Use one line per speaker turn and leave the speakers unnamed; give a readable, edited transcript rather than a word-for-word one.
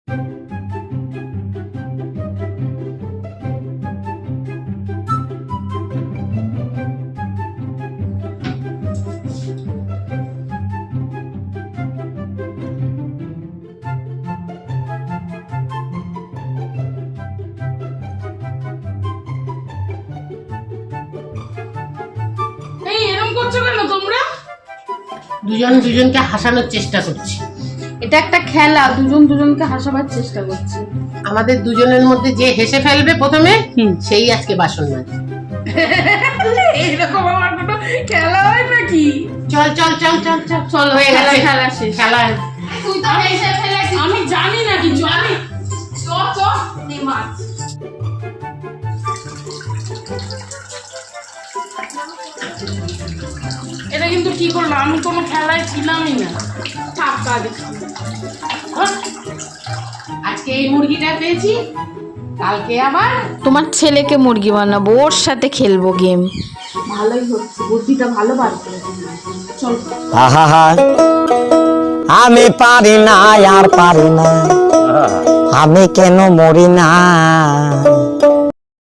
দুজন দুজনকে হাসানোর চেষ্টা করছি।
এটা একটা খেলা, দুজন দুজনকে হাসাবার চেষ্টা করছি।
আমাদের দুজনের মধ্যে যে হেসে ফেলবে প্রথমে সেই আজকে বাসন মাজবে।
এইরকম আমার কোনো খেলা হয় নাকি?
চল চল চল চল চল চল, হয়ে গেছে
খেলা শেষ।
খেলা।
তুই তো হেসে ফেলেছিস। আমি জানি না কিছু। আমি চ চ নে মাছ। এটা কিন্তু কি করলাম? আমি কোনো খেলায় ছিলামই না। টাকা দেখি
আজকে এই মুরগিটা পেয়েছি, কালকে আবার
তোমার ছেলেকে মুরগি বানাবো, ওর সাথে খেলবো গেম।
ভালোই হচ্ছে, বুদ্ধিটা ভালো বার করেছি। চল।
আহা, আমি পারি না আর পারি না, আমি কেন মরি না।